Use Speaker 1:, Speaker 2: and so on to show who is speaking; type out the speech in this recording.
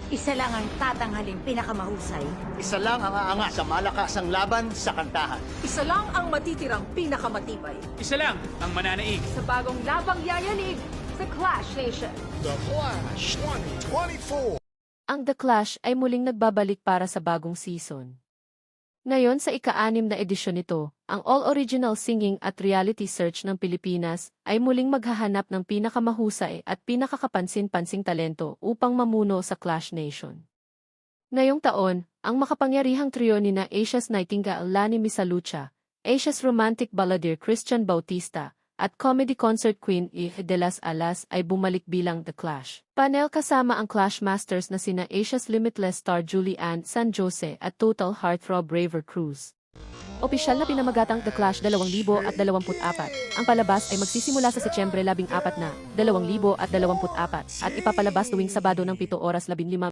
Speaker 1: Isa lang ang tatanghaling pinakamahusay.
Speaker 2: Isa lang ang aangat sa malakasang laban sa kantahan.
Speaker 3: Isa lang ang matitirang pinakamatibay.
Speaker 4: Isa lang ang mananaig.
Speaker 3: Sa bagong labang yayanig sa Clash Nation.
Speaker 5: The Clash 2024.
Speaker 6: Ang The Clash ay muling nagbabalik para sa bagong season. Ngayon sa ika-6 na edisyon nito, ang all-original singing at reality search ng Pilipinas ay muling maghahanap ng pinakamahusay at pinakakapansin-pansing talento upang mamuno sa Clash Nation. Ngayong taon, ang makapangyarihang trio ni na Asia's Nightingale Lani Misalucha, Asia's romantic balladeer Christian Bautista, at comedy concert queen Eve de las Alas ay bumalik bilang The Clash. Panel kasama ang Clash Masters na sina Asia's Limitless star Julie Ann San Jose at Total Heartthrob Raver Cruz. Opisyal na pinamagatang The Clash 2024. Ang palabas ay magsisimula sa Setyembre 14 na 2024 at ipapalabas tuwing Sabado ng 7:15